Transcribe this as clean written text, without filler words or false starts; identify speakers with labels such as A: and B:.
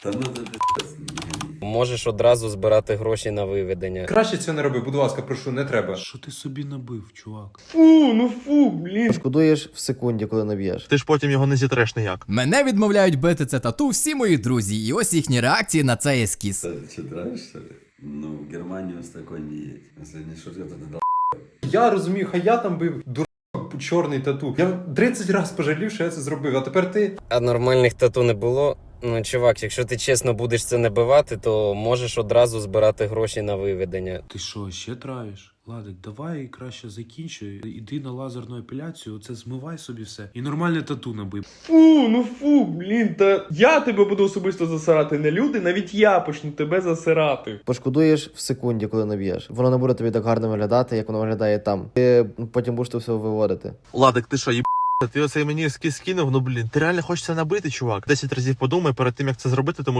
A: Та ну ти пи***ць.
B: Можеш одразу збирати гроші на виведення.
C: Краще цього не роби, будь ласка, прошу, не треба.
D: Що ти собі набив, чувак?
E: Пошкодуєш в секунді, коли наб'єш.
F: Ти ж потім його не зітреш ніяк.
G: Мене відмовляють бити це тату всі мої друзі, і ось їхні реакції на цей ескіз.
A: Ты что, травишь, что ли? Ну, в Германию с такой не едь. Если не шутка, то ты дал.
C: Я розумію, хай я там бив дурак, чорний тату. Я 30 разів пожалів, що я це зробив, а тепер ти...
B: А нормальних тату не було. Ну, чувак, якщо ти чесно будеш це набивати, то можеш одразу збирати гроші на виведення.
D: Ти що, ще травиш? Ладик, давай краще закінчуй. Іди на лазерну епіляцію, оце змивай собі все. І нормальне тату набив.
H: Та я тебе буду особисто засирати, не люди, навіть я почну тебе засирати.
E: Пошкодуєш в секунді, коли наб'єш. Воно не буде тобі так гарно виглядати, як воно виглядає там. Ти потім будеш це все виводити.
F: Ладик, ти що, ти оцей мені ескіз скинув, ну блін, ти реально хочеш це набити, чувак? 10 разів подумай перед тим, як це зробити, тому